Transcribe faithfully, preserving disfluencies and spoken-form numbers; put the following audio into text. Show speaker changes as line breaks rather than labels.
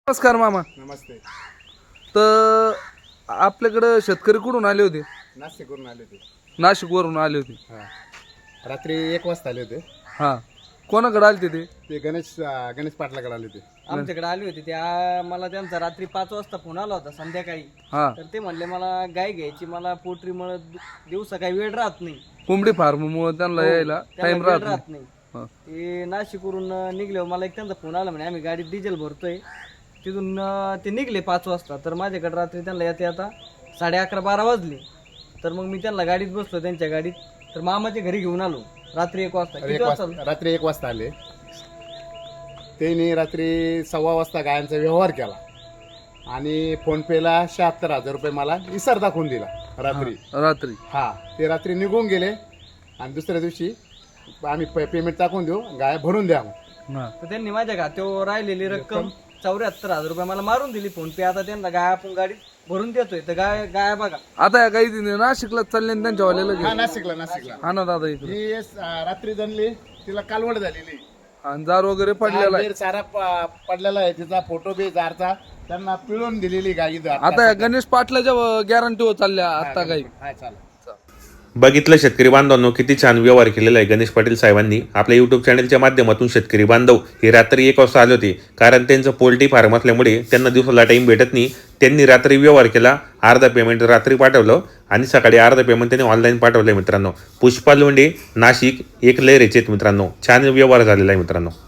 नमस्कार मामा.
नमस्ते.
तर आपल्याकडे शेतकरी कुठून आले होते?
नाशिकवरून आले होते.
नाशिकवरून आले होते.
हां, रात्री एक वाजता आले होते.
हां, कोणाकडे आले ते?
ते गणेश अं, गणेश पाटलाकडे आले होते.
आमच्याकडे आली होती त्या मला त्यांचा रात्री पाच वाजता फोन आला होता संध्याकाळी.
हां,
तर ते म्हणले मला गाय घ्यायची, मला पोल्ट्री मुळे दिवसा काही वेळ राहत नाही,
कोंबडी फार्ममुळे त्यांना यायला
त्याला
टाइम
वेळ
राहत नाही.
राहत नाही.
हां,
ते नाशिकवरून निघले, मला एक त्यांचा फोन आला म्हणे आम्ही गाडीत डिझेल भरतोय. तिथून अं, ते निघले पाच वाजता. तर माझ्याकडे रात्री त्यांना येते आता साडे अकरा बारा वाजले. तर मग मी त्यांना गाडीत बसलो, त्यांच्या गाडीत. तर मामाच्या घरी घेऊन आलो रात्री एक वाजता.
एक
किती वाजता
वाजता रात्री एक वाजता आले. त्यांनी रात्री सव्वा वाजता गायांचा व्यवहार केला आणि फोनपेला शहात्तर हजार रुपये मला इसर दाखवून दिला रात्री.
रात्री.
हा, ते रात्री निघून गेले आणि दुसऱ्या दिवशी आम्ही पेमेंट टाकून देऊ, गाय भरून द्या.
हां,
तर त्यांनी माझ्या खात्यावर राहिलेली रक्कम चौऱ्याहत्तर हजार रुपये मला मारून दिली फोन पे. आता त्यांना गाय आपण गाडीत भरून देतोय. तर गाय गाय बघा
आता या काही दिन नाशिकला चालले आणि त्यांच्या वाल्याला
हा,
घेऊन.
नाशिकला नाशिकला
हा ना दादा इकडे.
ही अं, रात्री जणली, तिला कालवड झालेली.
आणि जार वगैरे पडलेला आहे.
जार चारा प- पडलेला आहे, तिचा फोटो बी जारचा त्यांना पिळून दिलेली गाई.
आता या गणेश पाटलाच्या गॅरंटीवर चालल्या आता काही.
हा, चालेल.
बघितलं शेतकरी बांधवांनो, किती छान व्यवहार केलेला आहे गणेश पाटील साहेबांनी. आपल्या यूट्यूब चॅनलच्या माध्यमातून शेतकरी बांधव हे रात्री एक वाजता आले होते, कारण त्यांचं पोल्ट्री फार्म असल्यामुळे त्यांना दिवसाला टाईम भेटत नाही. त्यांनी रात्री व्यवहार केला, अर्धा पेमेंट रात्री पाठवलं आणि सकाळी अर्धा पेमेंट त्यांनी ऑनलाईन पाठवलं. मित्रांनो, पुष्पा लोंढे नाशिक एक लहरेचे मित्रांनो, छान व्यवहार झालेला आहे मित्रांनो.